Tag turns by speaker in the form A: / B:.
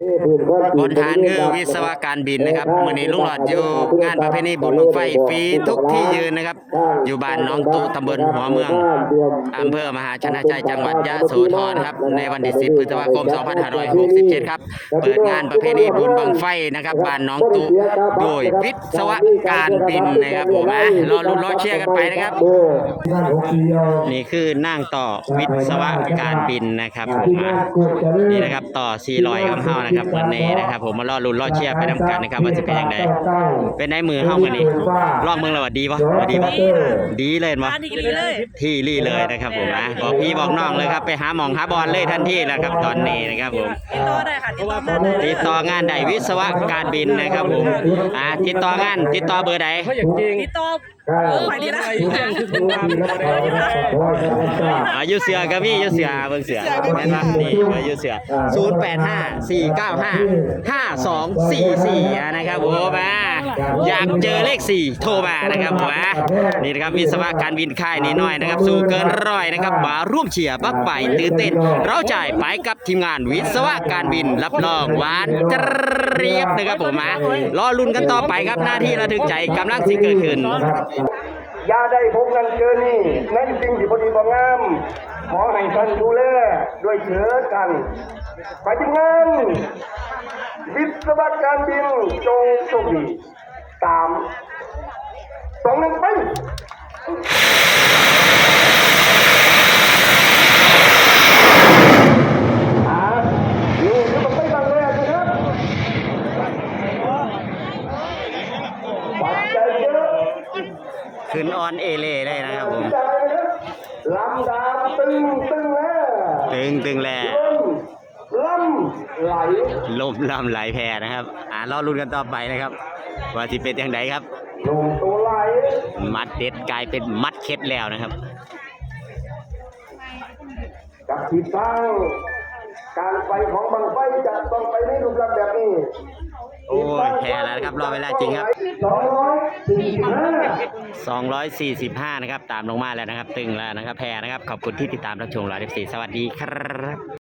A: บนฐานคือวิศวการบินนะครับมื้อนี้ลุงหลอดอยู่งานประเพณีบุญบั้งไฟฟรีทุกที่ยืนนะครับอยู่บ้านหนองตุตำบลหัวเมืองอำเภอมหาชนะชัยจังหวัดยะโสธรครับในวันที่10 พฤษภาคม 2567 ครับเปิดงานประเพณีบุญบั้งไฟนะครับบ้านหนองตุโดยวิศวการบินนะครับผมรอลุ้นรอเชียร์กันไปนะครับนี่คือนั่งต่อวิศวการบินนะครับผมนี่นะครับต่อ400กับเฮานะครับวันนี้นะครับผมมารอลุ้นรอเชียร์ไปนำกันนะครับว่าจะเป็นยังไงเป็นได้มือเฮามื้อนี้ลองเมืองแล้วว่าดีบ่ดีบ่ดีเลยบ่ที่รี่เลยนะครับผมบอกพี่บอกน้องเลยครับไปหาหมองหาบอลเลยทันทีนะครับตอนนี้นะครับผม
B: ติดต่อได้ค่ะ
A: ติดต่องานใดวิศวการบินนะครับผมติดต่องานติดต่อเบอร์ใด
B: ติดต่อไปดีนะ
A: อยู่เสือกับพี่อยู่เสือเบิ่งเสือแม่นบ่นี่อยู่เสือ0854955244นะครับผมอยากเจอเลข4โทรมานะครับผมนี่นะครับวิศวการบินค่ายนี้น้อยนะครับสู้เกินร้อยนะครับมาร่วมเชียร์บักไฟตื่นเต้นเราจ่ายไปกับทีมงานวิศวการบินรับรองหวานเจี๊ยบนะครับผมรอลุ้นกันต่อไปครับหน้าที่ระทึกใจกำลังสิเกิดขึ้น
C: อย่าได้พบกันเจอนี่ในสิ่งที่พอดีบ่งามขอให้ท่านดูแลด้วยเถิดกันไปทีมงานวิศวการบินจงโชคดี3 2 1ไปนี่คือมันไม่ตั้งแรกนะครับปัจจัยเยอะ
A: ขึ้นออนเอเล่ได้นะครับผม
C: ลำดาตึง
A: แล้ว
C: ลำไหล
A: ลมลำไหลแพนะครับรอลุ้นกันต่อไปนะครับว่าที่เป็นอย่างไรครับ
C: ลมตัวไหล
A: มัดเด็ดกลายเป็นมัดเค็ดแล้วนะครับ
C: กับทิศทางการไปของบังไฟจะต้องไปในรูปลักษณ์แบบนี้
A: โอ้ยแพ้แล้วนะครับรอเวลาจริงครับ245นะครับตามลงมาแล้วนะครับตึงแล้วนะครับแพ้นะครับขอบคุณที่ติดตามรับชมไลฟ์14สวัสดีครับ